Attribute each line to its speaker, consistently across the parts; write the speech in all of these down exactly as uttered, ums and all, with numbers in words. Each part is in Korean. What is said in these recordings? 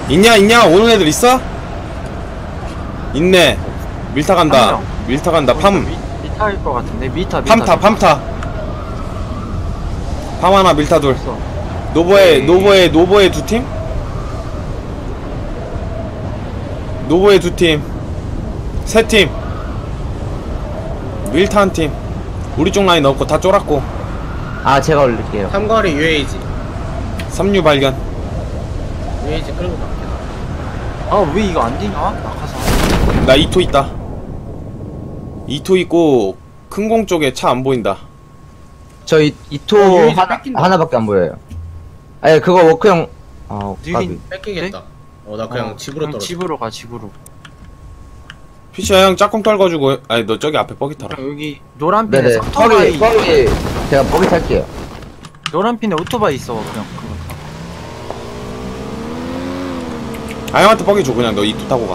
Speaker 1: 있냐 있냐 오는 애들 있어? 있네. 밀타 간다. 밀타 간다. 팜.
Speaker 2: 미, 미타일 것 같은데. 미타. 미타
Speaker 1: 팜타 팜타. 팜 하나 밀타 둘. 노보에 노보에 노보에 두 팀? 노보에 두 팀. 세 팀. 밀타 한 팀. 우리 쪽 라인 없고 다 쫄았고.
Speaker 3: 아 제가 올릴게요.
Speaker 4: 삼거리 유에이지.
Speaker 1: 삼류 발견.
Speaker 4: 유에이지 끌고 갈게.
Speaker 2: 아 왜 이거 안 되냐? 낙하산.
Speaker 1: 나 이토 있다. 이토 있고 큰 공 쪽에 차 안 보인다.
Speaker 3: 저 이, 이토
Speaker 4: 어, 유이지
Speaker 3: 하나,
Speaker 4: 뺏긴다.
Speaker 3: 하나밖에 안 보여요. 아니 그거 워크형 아
Speaker 2: 느린.
Speaker 4: 뺏기겠다. 어, 나 그냥
Speaker 2: 어,
Speaker 4: 집으로
Speaker 2: 그냥
Speaker 4: 떨어져.
Speaker 2: 집으로 가 집으로.
Speaker 1: 피시야 형 짝꿍 떨궈주고. 아니 너 저기 앞에 뻐기 타라.
Speaker 2: 여기 노란 핀에
Speaker 3: 네네
Speaker 2: 오토바이.
Speaker 3: 거기 거기 제가 거기 탈게요.
Speaker 2: 노란 핀에 오토바이 있어. 그냥 그거 타.
Speaker 1: 아 형한테 뻐기 줘. 그냥 너 이토 타고 가.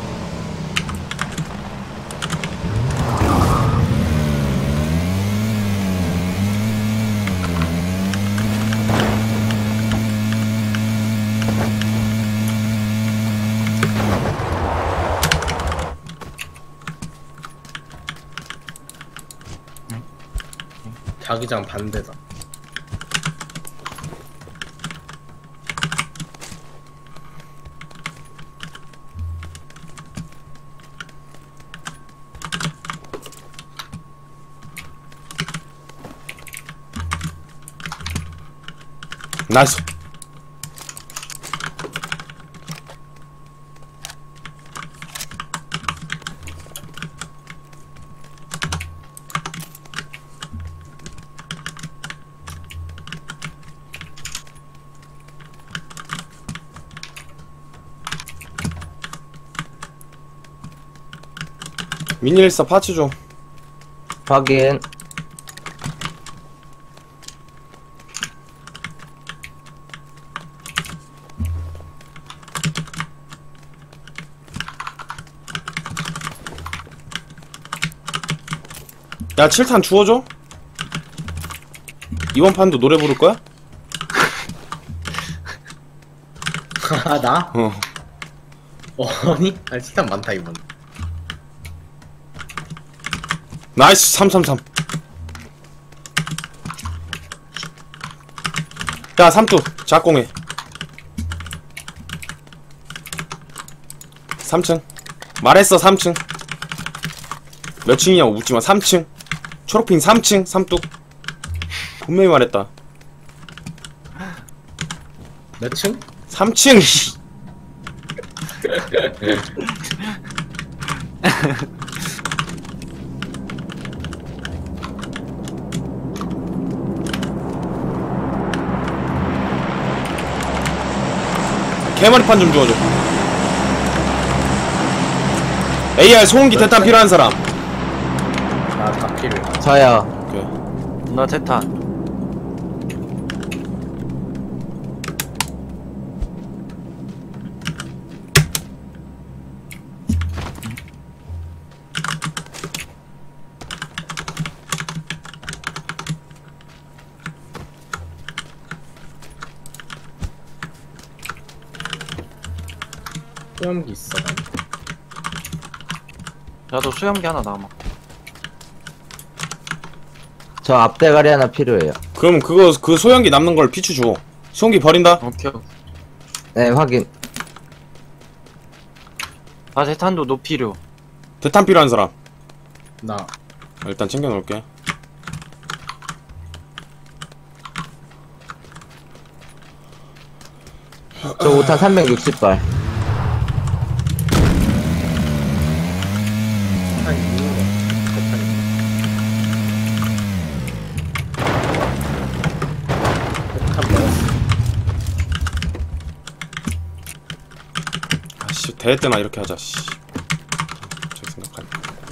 Speaker 4: 자기장 반대다.
Speaker 1: 나이스. 미니일사 파츠 좀.
Speaker 3: 확인.
Speaker 1: 야 칠 탄 주워줘. 이번 판도 노래 부를 거야?
Speaker 4: 아, 나?
Speaker 1: 어.
Speaker 4: 어, 아니? 아니, 시간 많다, 이번.
Speaker 1: 나이스. 삼삼삼. 야 삼두 작공해. 삼 층 말했어. 삼 층 몇 층이냐고 묻지마. 삼 층 초록핑 삼 층 삼뚝. 분명히 말했다.
Speaker 4: 몇 층?
Speaker 1: 삼 층. 개머리판 좀 주워줘. 에이알 소음기 대탄 필요한 사람.
Speaker 4: 나 다 필요해.
Speaker 3: 저요.
Speaker 1: 오케이.
Speaker 2: 나 대탄.
Speaker 4: 수염기 있어.
Speaker 2: 나도 수염기 하나 남아.
Speaker 3: 저 앞대가리 하나 필요해요.
Speaker 1: 그럼 그거 그 소형기 남는 걸 피추 줘. 소형기 버린다.
Speaker 2: 오케이.
Speaker 3: 네 확인.
Speaker 2: 나 대탄도 너 필요.
Speaker 1: 대탄 필요한 사람.
Speaker 4: 나.
Speaker 1: 일단 챙겨 놓을게.
Speaker 3: 저 오 탄 삼백육십 발.
Speaker 4: 한 있는 거. 대탄이. 대탄 먹었어.
Speaker 1: 아씨 대회 때나 이렇게 하자. 씨. 저 생각하네.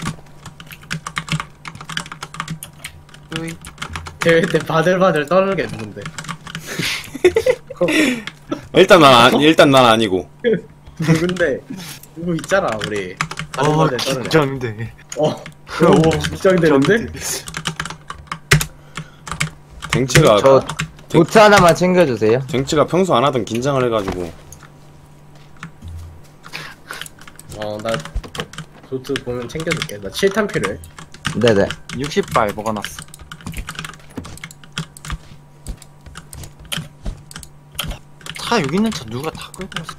Speaker 2: 으이.
Speaker 4: 대회 때 바들바들 떨겠는데.
Speaker 1: 일단 난 아, 일단 난 아니고.
Speaker 4: 누군데? 누구 있잖아, 우리.
Speaker 2: 어
Speaker 4: 바들바들 떨네.
Speaker 2: 긴장돼.
Speaker 4: 어. 오, 긴장되는데?
Speaker 1: 댕치가
Speaker 3: 저 보트 하나만 챙겨주세요.
Speaker 1: 댕치가 평소 안 하던 긴장을 해가지고.
Speaker 4: 어나 도트 보면 챙겨줄게. 나 칠 탄 필요해.
Speaker 3: 네네.
Speaker 2: 육십 발 먹어놨어. 차 여기 있는 차 누가 다 끌고 왔어?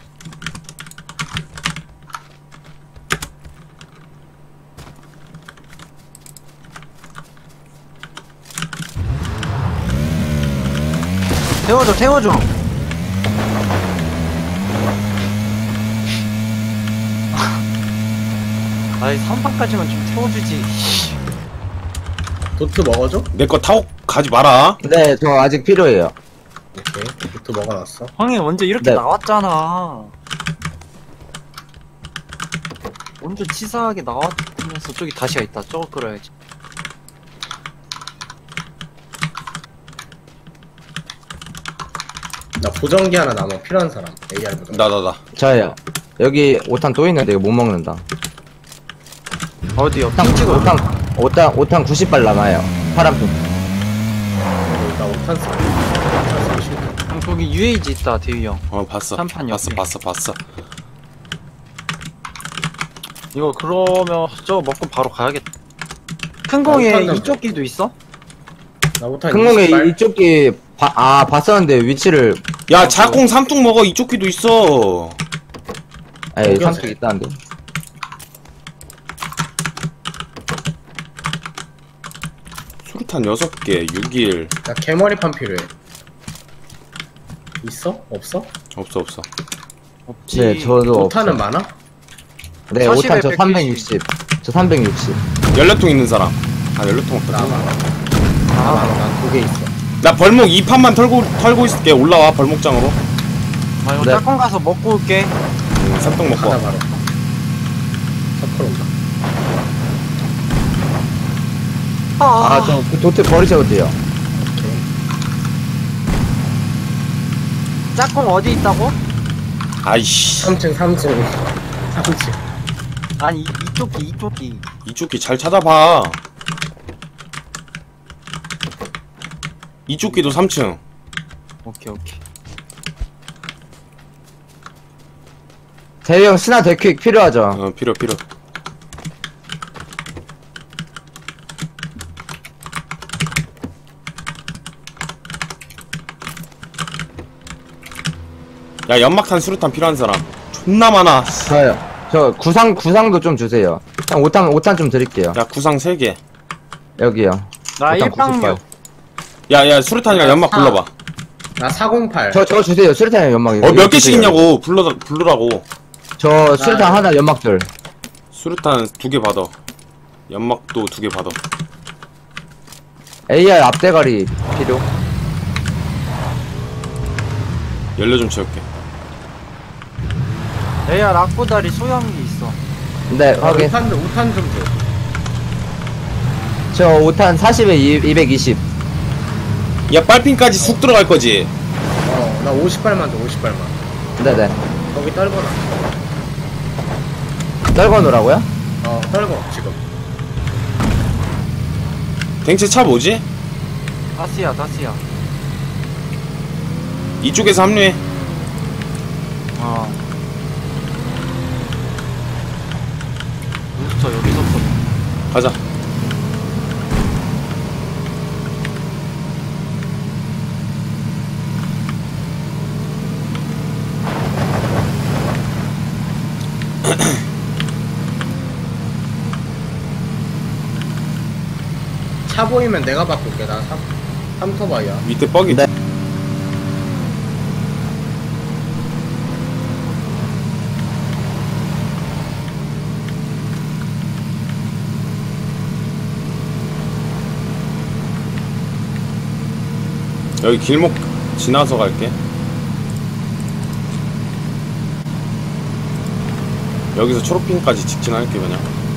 Speaker 2: 태워줘 태워줘. 아이 삼 판까지만 좀 태워주지.
Speaker 4: 도트 먹어줘?
Speaker 1: 내 거 타고 가지 마라.
Speaker 3: 네, 저 아직 필요해요.
Speaker 4: 오케이. 도트 먹어놨어.
Speaker 2: 형이 먼저 이렇게
Speaker 3: 네.
Speaker 2: 나왔잖아. 먼저 치사하게 나왔으면서 저기 다시가 있다. 저거 끌어야지.
Speaker 4: 나 보정기 하나 남아. 필요한 사람. 에이알 보정.
Speaker 1: 나, 나, 나.
Speaker 3: 저요. 여기 오 탄 또 있는데 이거 못 먹는다.
Speaker 2: 어디요?
Speaker 3: 오 탄,
Speaker 2: 핑 찍어.
Speaker 3: 오 탄, 오 탄, 오 탄 구십 발 남아요. 파란 핑.
Speaker 4: 나 오탄 써. 오탄 써.
Speaker 2: 형 거기 유에이지 있다 대휘 형.
Speaker 1: 어, 봤어.
Speaker 2: 삼판
Speaker 1: 봤어,
Speaker 2: 옆에.
Speaker 1: 봤어, 봤어.
Speaker 2: 이거 그러면 저거 먹고 바로 가야겠다. 큰
Speaker 4: 아,
Speaker 2: 공에
Speaker 4: 오탄
Speaker 2: 이쪽 길도 있어?
Speaker 4: 나 오탄
Speaker 3: 큰 공에
Speaker 4: 이십 발.
Speaker 3: 이쪽 기, 바, 아, 봤었는데 위치를,
Speaker 1: 야, 자공 삼뚝 먹어. 이쪽 귀도 있어.
Speaker 3: 에이,
Speaker 4: 먹여서
Speaker 3: 삼뚝 있다는데.
Speaker 1: 수류탄 여섯 개, 육 일.
Speaker 4: 나 개머리판 필요해. 있어? 없어?
Speaker 1: 없어, 없어.
Speaker 2: 없지.
Speaker 3: 네, 저도.
Speaker 4: 오탄은
Speaker 3: 없어요.
Speaker 4: 많아?
Speaker 3: 네, 오 탄 저
Speaker 2: 사십에
Speaker 3: 삼백육십. 저 삼백육십.
Speaker 1: 연료통 있는 사람. 아, 연료통 없다.
Speaker 4: 나 많아. 나 많아. 난 두 개 있어.
Speaker 1: 나 벌목 이 판만 털고, 털고 있을게. 올라와, 벌목장으로.
Speaker 2: 아 이거
Speaker 3: 네.
Speaker 2: 짝꿍 가서 먹고 올게.
Speaker 1: 음, 삼뚝 먹고
Speaker 4: 하나
Speaker 1: 와.
Speaker 4: 바로. 서클 온다.
Speaker 3: 아, 저 그 도트 버리셔도 돼요.
Speaker 2: 짝꿍 어디 있다고?
Speaker 1: 아이씨.
Speaker 4: 삼 층, 삼 층. 삼 층.
Speaker 2: 아니 이- 이쪽 기 이쪽 기.
Speaker 1: 이쪽 귀 잘 찾아봐. 이쪽 귀도 삼 층.
Speaker 2: 오케이 오케이.
Speaker 3: 대형 스나 데퀵 필요하죠?
Speaker 1: 어, 필요, 필요. 야, 연막탄 수류탄 필요한 사람. 존나 많아.
Speaker 3: 저요. 저 구상, 구상도 좀 주세요. 형 오 탄, 오 탄 좀 드릴게요.
Speaker 1: 야, 구상 세 개.
Speaker 3: 여기요.
Speaker 2: 나
Speaker 3: 일단
Speaker 2: 일방류.
Speaker 3: 구십발.
Speaker 1: 야, 야, 수류탄이랑 연막 불러봐.
Speaker 4: 나 사공팔.
Speaker 3: 저, 저 주세요. 수류탄 연막.
Speaker 1: 어, 몇 개씩 있냐고. 불러, 부르라고.
Speaker 3: 저 수류탄
Speaker 4: 아,
Speaker 3: 하나, 연막들.
Speaker 1: 수류탄 두 개 받아. 연막도 두 개 받아.
Speaker 3: 에이알 앞대가리 필요.
Speaker 1: 연료 좀 채울게.
Speaker 2: 에이알 악보다리 소형기 있어.
Speaker 3: 네,
Speaker 4: 아,
Speaker 3: 확인.
Speaker 4: 오탄, 오탄 좀 줘.
Speaker 3: 저 오 탄 사십에 이백이십.
Speaker 1: 야, 빨핀까지 쑥 들어갈 거지?
Speaker 4: 어, 나 오십 발만 줘, 오십 발만.
Speaker 3: 네네.
Speaker 4: 거기 떨궈놔.
Speaker 3: 떨궈 놓으라고요?
Speaker 4: 어, 떨궈, 지금.
Speaker 1: 댕체 차 뭐지?
Speaker 2: 다스야 다스야.
Speaker 1: 이쪽에서 합류해.
Speaker 2: 어. 부스터 여기서부터.
Speaker 1: 가자.
Speaker 4: 차 보이면 내가 바꿀게. 나 삼, 삼토바이야.
Speaker 1: 밑에 뻑이.
Speaker 3: 네.
Speaker 1: 여기 길목 지나서 갈게. 여기서 초록핀까지 직진할게 그냥.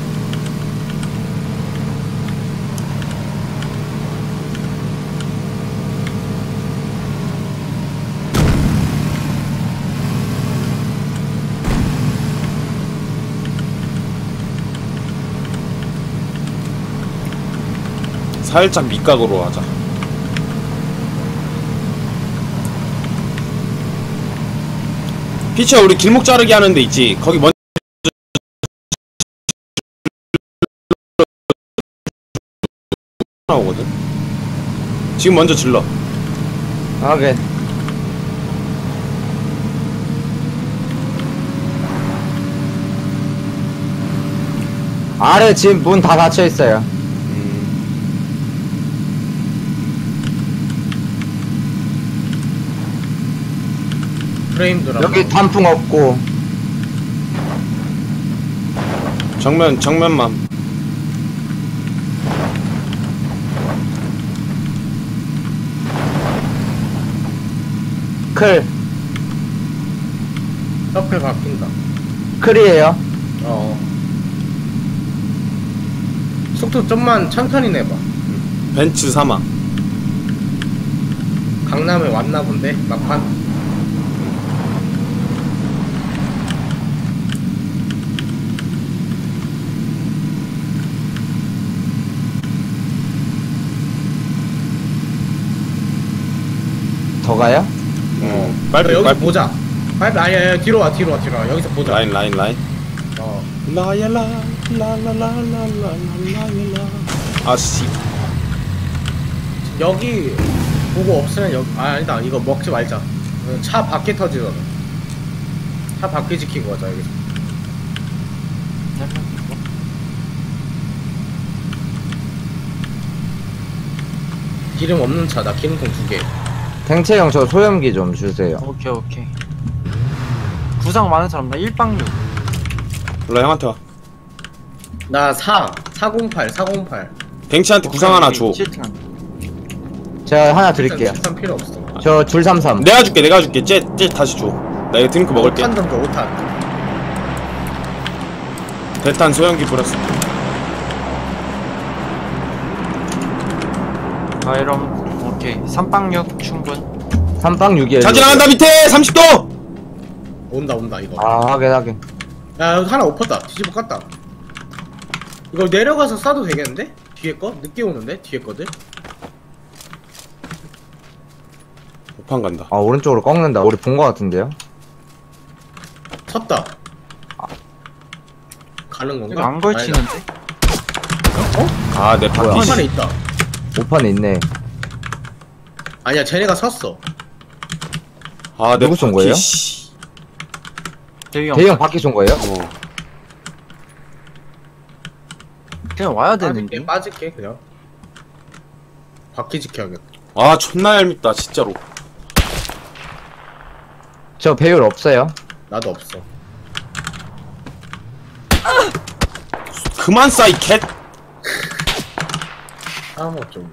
Speaker 1: 살짝 밑각으로 하자. 피치야, 우리 길목 자르기 하는 데 있지? 거기 먼저 나오거든. 지금 먼저 질러.
Speaker 3: 확인. 아래 지금 문 다 닫혀 있어요.
Speaker 1: 음.
Speaker 4: 프레임들
Speaker 3: 여기 단풍 없고.
Speaker 1: 정면 정면만.
Speaker 3: 클.
Speaker 4: 옆에 바뀐다.
Speaker 3: 클이에요.
Speaker 4: 어. 속도 좀만 천천히 내봐.
Speaker 1: 벤츠 삼아.
Speaker 4: 강남에 왔나 본데 막판.
Speaker 3: 더 가요?
Speaker 1: 음.
Speaker 4: 빨리
Speaker 1: 빨리
Speaker 4: 여기서
Speaker 1: 빨리.
Speaker 4: 보자. 빨리 아니 아니 뒤로 와 뒤로 와 뒤로 와 여기서 보자.
Speaker 1: 라인 라인 라인.
Speaker 4: 어.
Speaker 1: 라야라 라라라라라라라라. 아씨.
Speaker 4: 여기 보고 없으면 여기 아 아니다 이거 먹지 말자. 차 밖에 터지잖아. 차 밖에 지키고 가자 여기서. 기름 없는 차다. 기름통 두 개.
Speaker 3: 댕채형 저 소염기 좀 주세요.
Speaker 2: 오케이 오케이. 구상 많은 사람 나 일방육.
Speaker 1: 몰라 형한테 와.
Speaker 4: 나 사, 사공팔, 사공팔.
Speaker 1: 댕치한테 구상 하나 줘.
Speaker 3: 제가 하나 드릴게요.
Speaker 4: 칠탄 필요 없어.
Speaker 3: 저 줄 삼삼.
Speaker 1: 내가 줄게 내가 줄게. 쟤, 쟤 다시 줘. 나 이거 드링크 먹을게.
Speaker 4: 오탄 던져, 오탄.
Speaker 1: 대탄 소형기 뿌렸어.
Speaker 2: 아 이러면 오케이. 삼방육 충분.
Speaker 3: 삼빵 육이에요.
Speaker 1: 자 지나간다 밑에 삼십 도.
Speaker 4: 온다, 온다, 이거.
Speaker 3: 아 확인 확인.
Speaker 4: 야, 여기 하나 엎었다. 뒤집어 깠다. 이거 내려가서 쏴도 되겠는데? 뒤에 거? 늦게 오는데? 뒤에 거들?
Speaker 1: 오판 간다.
Speaker 3: 아 오른쪽으로 꺾는다. 우리 본 거 같은데요?
Speaker 4: 섰다. 가는
Speaker 2: 이거
Speaker 4: 건가?
Speaker 2: 안 걸치는데?
Speaker 1: 아내
Speaker 3: 뭐야?
Speaker 1: 바퀴.
Speaker 4: 한 판에 있다.
Speaker 3: 오판에 있네.
Speaker 4: 아니야, 쟤네가 섰어.
Speaker 1: 아내
Speaker 3: 누구 쏜 거예요?
Speaker 1: 씨.
Speaker 2: 대형.
Speaker 3: 대형 바퀴 쏜 거예요?
Speaker 1: 어.
Speaker 2: 그냥 와야
Speaker 4: 빠질게,
Speaker 2: 되는데.
Speaker 4: 빠질게, 그냥. 바퀴 지켜야겠다.
Speaker 1: 아 존나 얄밉다 진짜로.
Speaker 3: 저 배율 없어요.
Speaker 4: 나도 없어.
Speaker 1: 그만 싸 이 캣.
Speaker 4: 싸워, 좀.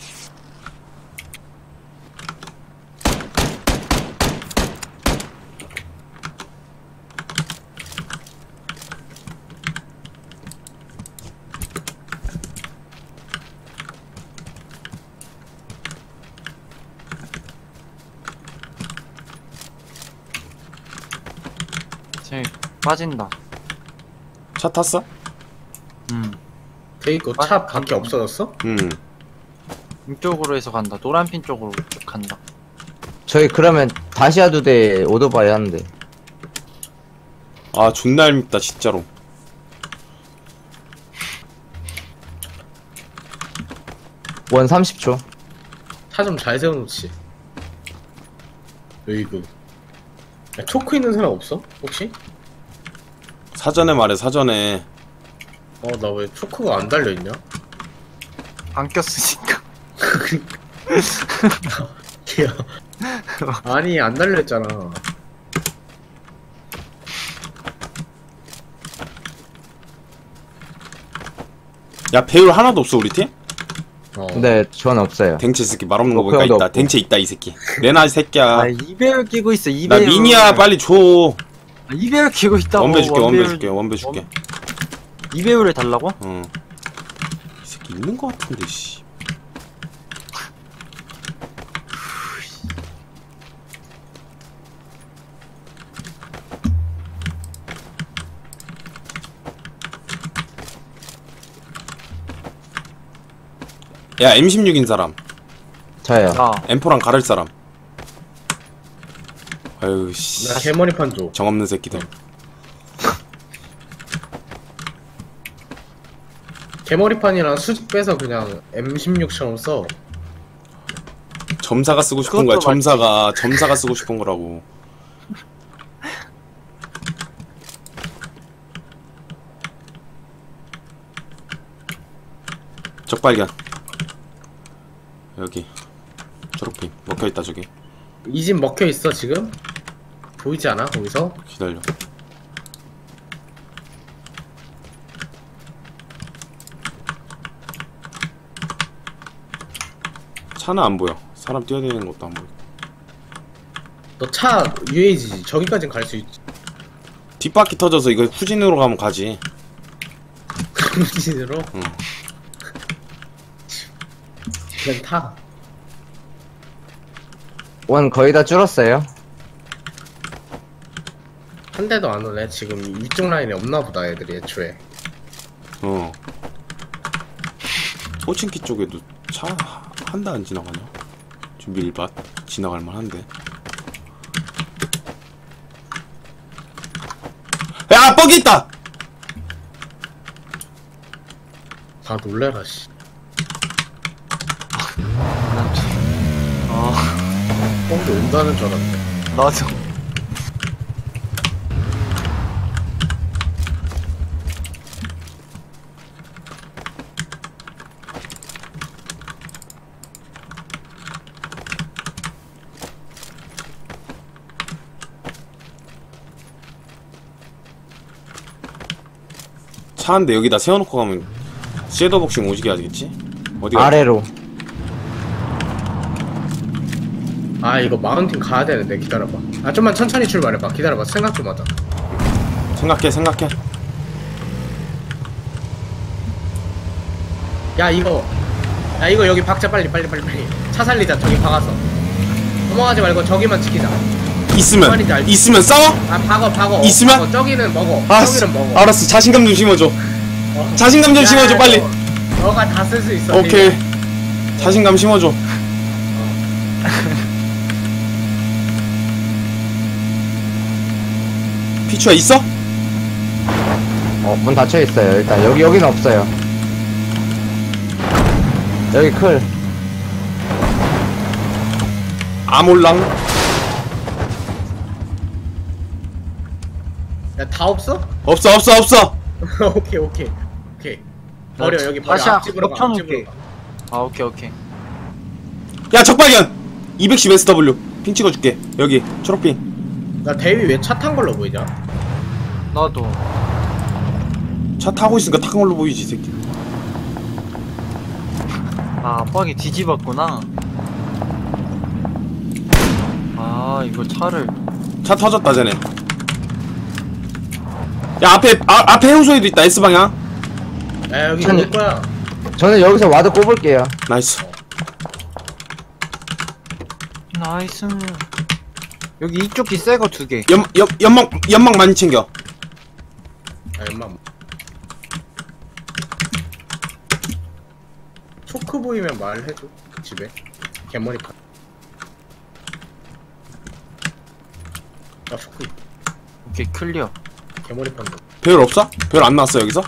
Speaker 2: 쟤 빠진다.
Speaker 1: 차 탔어?
Speaker 2: 음.
Speaker 4: 데이고 차 밖에 없어졌어?
Speaker 1: 음.
Speaker 2: 이쪽으로 해서 간다. 노란핀 쪽으로 간다.
Speaker 3: 저희 그러면 다시아 두 대 오토바이 하는데.
Speaker 1: 아 존나 얄밉다 진짜로.
Speaker 3: 원 삼십 초.
Speaker 4: 차 좀 잘 세워놓지. 으이구. 야, 초크 있는 사람 없어? 혹시?
Speaker 1: 사전에 말해 사전에.
Speaker 4: 어, 나 왜 초크가 안 달려있냐?
Speaker 2: 안 꼈으니까.
Speaker 4: 야. 아니, 안 달려있잖아.
Speaker 1: 야 배율 하나도 없어 우리 팀?
Speaker 4: 어.
Speaker 3: 네, 전 없어요.
Speaker 1: 댕체 새끼 말 없는 거
Speaker 3: 어,
Speaker 1: 보니까
Speaker 3: 그래도
Speaker 1: 있다.
Speaker 3: 없고.
Speaker 1: 댕체 있다 이 새끼. 내놔 이 새끼야.
Speaker 2: 아 이배율 끼고 있어.
Speaker 1: 나
Speaker 2: 이배율.
Speaker 1: 미니야 빨리 줘.
Speaker 2: 아, 이배율 끼고 있다고.
Speaker 1: 원배 줄게 원배
Speaker 2: 원배율-
Speaker 1: 줄게 원배 줄게.
Speaker 2: 이배율을 달라고?
Speaker 1: 응. 이 새끼 있는 거 같은데 씨. 야 엠 십육인 사람.
Speaker 3: 저요.
Speaker 2: 나.
Speaker 1: 엠포랑 가를 사람. 아유 씨.
Speaker 4: 나 개머리판 줘.
Speaker 1: 정없는 새끼들.
Speaker 4: 개머리판이랑 수직 빼서 그냥 엠 십육처럼 써.
Speaker 1: 점사가 쓰고 싶은 거야.
Speaker 2: 그것도 맞지.
Speaker 1: 점사가 점사가 쓰고 싶은 거라고. 적발견. 여기 초록핀 먹혀있다. 저기
Speaker 4: 이 집 먹혀있어 지금? 보이지 않아 거기서?
Speaker 1: 기다려. 차는 안 보여. 사람 뛰어다니는 것도 안 보여.
Speaker 4: 너 차 유에이지지 저기까진 갈 수 있지.
Speaker 1: 뒷바퀴 터져서 이거 후진으로 가면 가지.
Speaker 4: 후진으로?
Speaker 1: 응.
Speaker 4: 그냥 타.
Speaker 3: 원 거의 다 줄었어요.
Speaker 4: 한 대도 안 오네. 지금 위쪽 라인에 없나 보다 애들이 애초에.
Speaker 1: 어. 호칭키 쪽에도 차 한 대 안 지나가냐? 지금 밀밭 지나갈 만한데. 야, 뻑이 있다.
Speaker 4: 다 놀래라 씨.
Speaker 2: 아,
Speaker 4: 뻥이 온다는 줄 알았네.
Speaker 2: 나도.
Speaker 1: 차 한 대 여기다 세워놓고 가면 섀도우 복싱 오지게 하겠지? 어디가?
Speaker 3: 아래로.
Speaker 4: 아 이거 마운틴 가야 되는데 기다려봐. 아 좀만 천천히 출발해봐. 기다려봐. 생각 좀 하자.
Speaker 1: 생각해 생각해.
Speaker 4: 야 이거 야 이거 여기 박자 빨리 빨리 빨리 빨리. 차 살리자. 저기 박아서 넘어가지 말고 저기만 지키자.
Speaker 1: 있으면
Speaker 4: 말인지 알지?
Speaker 1: 있으면 싸워?
Speaker 4: 아 박어 박어.
Speaker 1: 있으면?
Speaker 4: 박어. 저기는 먹어.
Speaker 1: 알았어.
Speaker 4: 저기는 먹어.
Speaker 1: 알았어. 자신감 좀 심어줘.
Speaker 4: 어.
Speaker 1: 자신감 좀
Speaker 4: 야,
Speaker 1: 심어줘 빨리.
Speaker 4: 너, 너가 다 쓸 수 있어.
Speaker 1: 오케이. 자신감 심어줘. 피추야 있어?
Speaker 3: 어, 문 닫혀 있어요. 일단 여기 여기는 없어요. 여기 클.
Speaker 1: 아몰랑.
Speaker 4: 야다 없어?
Speaker 1: 없어 없어 없어.
Speaker 4: 오케이 오케이 오케이. 버려
Speaker 2: 나
Speaker 4: 여기 버려.
Speaker 2: 다시
Speaker 4: 앞집으로 가.
Speaker 2: 겹쳐놓을게.
Speaker 4: 앞집으로 가.
Speaker 2: 아, 오케이, 오케이.
Speaker 1: 야 적발견. 이백십 에스더블유 핑 찍어줄게. 여기 초록핑.
Speaker 4: 나 대위 왜 차 탄 걸로 보이냐?
Speaker 2: 나도.
Speaker 1: 차 타고 있으니까 탄 걸로 보이지 이 새끼.
Speaker 2: 아, 뻑이 뒤집었구나. 아, 이거 차를.
Speaker 1: 차 터졌다 쟤네. 야 앞에 아, 앞에 해우소에도 있다. S방향.
Speaker 4: 야 여기
Speaker 3: 천천히.
Speaker 4: 올 거야.
Speaker 3: 저는 여기서 와드 꼽을게요.
Speaker 1: 나이스.
Speaker 2: 나이스. 여기 이쪽 기 새거 두 개.
Speaker 1: 연, 연, 연막 연막 많이 챙겨.
Speaker 4: 아 엄마. 초크 보이면 말해줘. 집에 개머리 파. 아 초크
Speaker 2: 오케이, 클리어.
Speaker 4: 개머리 판다.
Speaker 1: 배열 없어? 배열 안 나왔어 여기서?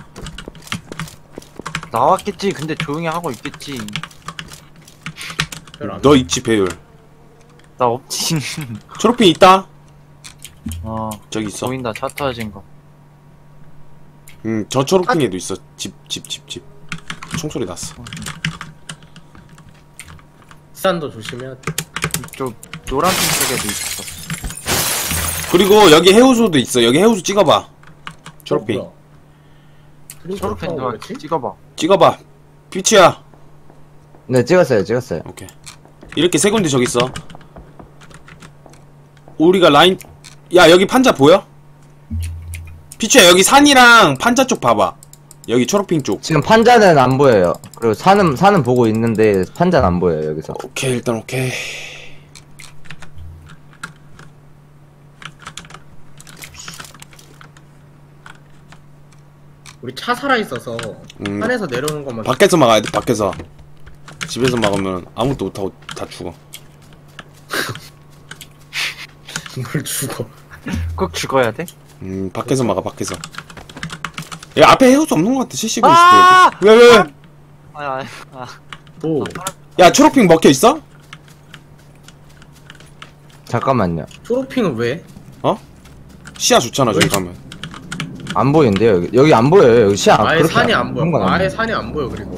Speaker 2: 나왔겠지. 근데 조용히 하고 있겠지.
Speaker 4: 별로 안
Speaker 1: 너 있지 배열.
Speaker 2: 나 없지.
Speaker 1: 초록핑 있다.
Speaker 2: 어,
Speaker 1: 저기 있어.
Speaker 2: 보인다. 차 터진 거.
Speaker 1: 음, 저 초록핑에도 있어. 집, 집, 집, 집. 총소리 났어.
Speaker 4: 산도 조심해야 돼.
Speaker 2: 이쪽 노란색 쪽에도 있어.
Speaker 1: 그리고 여기 해우소도 있어. 여기 해우소 찍어봐. 초록핑.
Speaker 4: 어, 뭐야?
Speaker 2: 초록펜
Speaker 4: 어,
Speaker 2: 누가
Speaker 4: 그렇지?
Speaker 2: 찍어봐.
Speaker 1: 찍어봐. 피치야.
Speaker 3: 네, 찍었어요. 찍었어요.
Speaker 1: 오케이. 이렇게 세 군데 저기 있어. 우리가 라인, 야, 여기 판자 보여? 피치야, 여기 산이랑 판자 쪽 봐봐. 여기 초록핑 쪽.
Speaker 3: 지금 판자는 안 보여요. 그리고 산은 산은 보고 있는데 판자는 안 보여요. 여기서.
Speaker 1: 오케이, 일단 오케이.
Speaker 4: 우리 차 살아 있어서
Speaker 1: 음.
Speaker 4: 산에서 내려오는 것만.
Speaker 1: 밖에서 막아야 돼, 밖에서. 집에서 막으면 아무것도 못하고 다 죽어.
Speaker 4: 뭘 죽어?
Speaker 2: 꼭 죽어야 돼?
Speaker 1: 음, 밖에서 막아, 밖에서. 야 앞에 해우수 없는 것 같아. 칠십오 있을
Speaker 2: 아!
Speaker 1: 때. 왜 왜? 왜?
Speaker 2: 아니 아니 아
Speaker 4: 오
Speaker 1: 야 초록핑 먹혀 있어?
Speaker 3: 잠깐만요.
Speaker 4: 초록핑은 왜?
Speaker 1: 시야 좋잖아 저기
Speaker 4: 왜?
Speaker 1: 가면.
Speaker 3: 안 보이는데요 여기. 여기 안 보여요. 여기 시야
Speaker 4: 아예
Speaker 3: 그렇게
Speaker 4: 산이 안 보여.
Speaker 3: 그런 건
Speaker 4: 아예
Speaker 3: 아니에요.
Speaker 4: 산이 안 보여 그리고.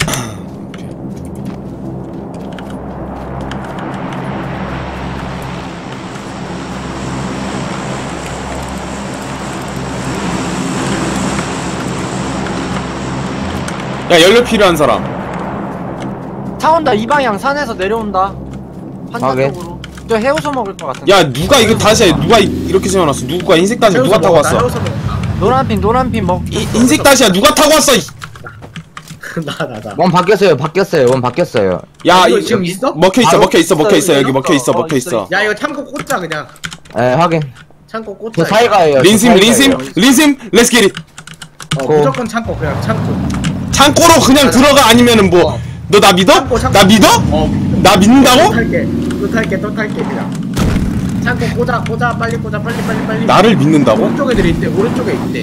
Speaker 1: 야 연료 필요한 사람.
Speaker 2: 차 온다. 이 방향 산에서 내려온다. 환자
Speaker 3: 오케이.
Speaker 2: 쪽으로. 저 해우소 먹을 것 같은데.
Speaker 1: 야 누가 이거 다시야? 누가 이- 이렇게 세워놨어? 누가 흰색 다시야? 누가 타고 왔어?
Speaker 2: 노란 핀 노란 핀 먹.
Speaker 1: 이, 흰색 다시야 누가 타고 왔어? 이-
Speaker 4: 나나 나.
Speaker 3: 원 바뀌었어요. 바뀌었어요. 원 바뀌었어요.
Speaker 1: 야
Speaker 4: 이거
Speaker 1: 이-
Speaker 4: 지금 있어?
Speaker 1: 먹혀 있어
Speaker 3: 바로
Speaker 1: 먹혀 있어 먹혀 있어
Speaker 2: 있어요,
Speaker 1: 여기 먹혀 있어
Speaker 2: 있어.
Speaker 1: 먹혀
Speaker 2: 어,
Speaker 1: 있어.
Speaker 4: 야 이거 참고 꽂자 그냥.
Speaker 3: 예 확인.
Speaker 4: 참고 꽂자.
Speaker 3: 저 사이가예요.
Speaker 1: 린심
Speaker 3: 저
Speaker 1: 린심
Speaker 3: 사이가예요.
Speaker 1: 린심 렛츠 기릿.
Speaker 4: 어,
Speaker 3: 고.
Speaker 4: 무조건 참고 그냥 참고.
Speaker 1: 창고로 그냥 들어가 아니면은 뭐
Speaker 4: 어.
Speaker 1: 너 나 믿어?
Speaker 4: 참고, 참고.
Speaker 1: 나 믿어?
Speaker 4: 어.
Speaker 1: 나
Speaker 4: 또
Speaker 1: 믿는다고?
Speaker 4: 탈게. 또 탈게. 또 탈게 그냥. 참고 꽂아 꽂아 빨리 꽂아 빨리 빨리 빨리.
Speaker 1: 나를 믿는다고?
Speaker 4: 오른쪽 애들이 있대. 오른쪽에 있대.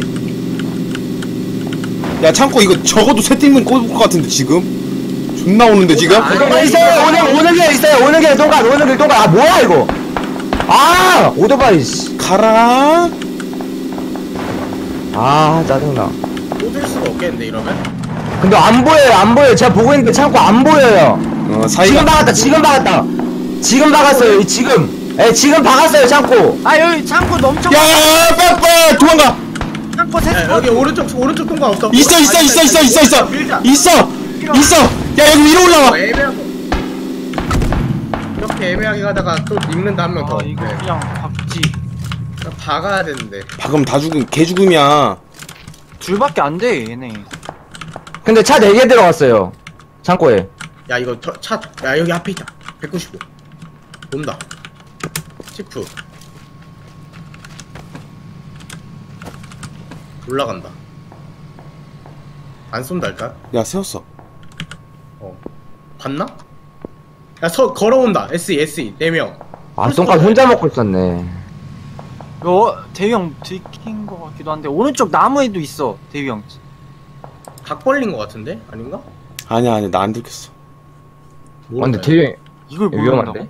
Speaker 1: 야 창고 이거 적어도 세 팀은 꽂을 것 같은데 지금? 존나 오는데 지금?
Speaker 4: 아니,
Speaker 3: 어, 있어요. 오는 오는 게 있어요. 오는 게 동간. 오는 게 동간. 아 뭐야 이거? 아 오토바이. 씨.
Speaker 1: 가라.
Speaker 3: 아 짜증나.
Speaker 4: 꽂을 수가 없겠는데 이러면?
Speaker 3: 근데 안 보여요. 안 보여요. 제가 보고 있는데 창고 안 보여요.
Speaker 1: 어
Speaker 3: 지금
Speaker 1: 사이가
Speaker 3: 박았다. 지금 박았다. 지금 박았어요. 이 지금. 예 지금 박았어요. 창고.
Speaker 2: 아 여기 창고 넘쳐.
Speaker 1: 야 빨빨 도망가.
Speaker 2: 창고
Speaker 4: 야,
Speaker 2: 세.
Speaker 4: 여기 오른쪽 오른쪽 통과 없어.
Speaker 1: 있어 있어 있어 있어 있어 있어
Speaker 4: 밀자.
Speaker 1: 있어 있어. 야 여기 위로 올라와.
Speaker 4: 어, 애매하고. 이렇게 애매하게 가다가 또 읽는다 한 명 더.
Speaker 2: 아 이거
Speaker 4: 네.
Speaker 2: 그냥 박지.
Speaker 4: 그냥 박아야 되는데.
Speaker 1: 방금 다 죽음 개 죽음이야.
Speaker 2: 둘밖에 안 돼 얘네.
Speaker 3: 근데 차 네 개 들어갔어요. 창고에.
Speaker 4: 야 이거 터, 차. 야 여기 앞에 있다. 백구십오. 온다. 치프. 올라간다. 안 쏜다 일단.
Speaker 1: 야 세웠어.
Speaker 4: 어. 봤나? 야 서 걸어온다. 에스이 에스이 네 명.
Speaker 3: 아 똥간 혼자 먹고 있었네.
Speaker 2: 이거 대위 형 들킨 것 같기도 한데 오른쪽 나무에도 있어 대위 형.
Speaker 4: 각 벌린 것 같은데? 아닌가?
Speaker 1: 아니야 아니야 나 안 들켰어.
Speaker 3: 아, 근데 되게
Speaker 2: 이걸
Speaker 3: 위험한데?
Speaker 2: 모른다고?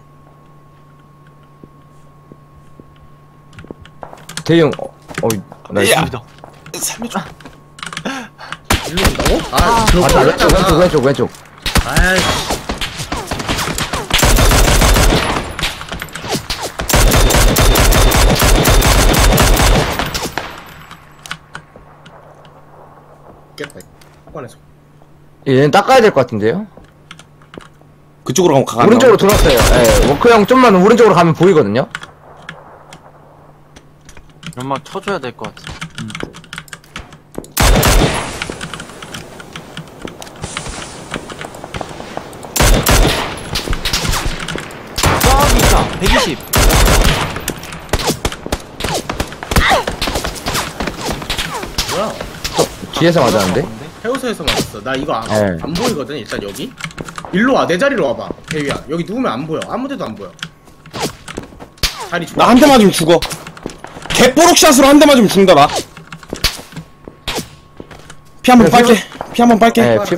Speaker 3: 대형 어, 어, 나
Speaker 1: 야.
Speaker 2: 여기다.
Speaker 1: 살려줘.
Speaker 4: 일로 온다고? 아,
Speaker 2: 아,
Speaker 4: 저
Speaker 3: 맞다 왼쪽 왼쪽 왼쪽 왼쪽.
Speaker 4: 아이씨. 깼다. 꺼내서.
Speaker 3: 얘는 닦아야 될 것 같은데요?
Speaker 1: 그쪽으로 가면 가가.
Speaker 3: 오른쪽으로 돌았어요. 예, 워크 형 좀만 오른쪽으로 가면 보이거든요.
Speaker 2: 연막 쳐줘야 될 것 같아. 음. 저기 있다. 백이십.
Speaker 4: 뭐야?
Speaker 3: 뒤에서 맞았는데?
Speaker 4: 해우소에서 맞았어. 나 이거 안,
Speaker 3: 네.
Speaker 4: 안 보이거든, 일단 여기. 일로 와, 내 자리로 와봐. 대위야. 여기 누우면 안 보여. 아무 데도 안 보여. 자리 좋아.
Speaker 1: 나 한 대 맞으면 죽어. 개뽀록샷으로 한 대 맞으면 죽는다 나. 피 한 번
Speaker 3: 그래,
Speaker 1: 빨게. 피 한 번 빨게.
Speaker 3: 예, 피...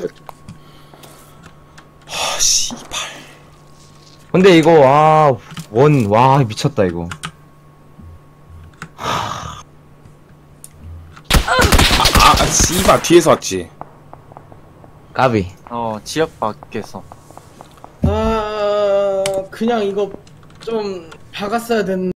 Speaker 1: 아 씨발.
Speaker 3: 근데 이거 아, 원, 와, 미쳤다 이거.
Speaker 1: 아 씨발 뒤에서 왔지.
Speaker 3: 까비.
Speaker 2: 어 지역 밖에서.
Speaker 4: 아, 그냥 이거 좀 박았어야 됐는데.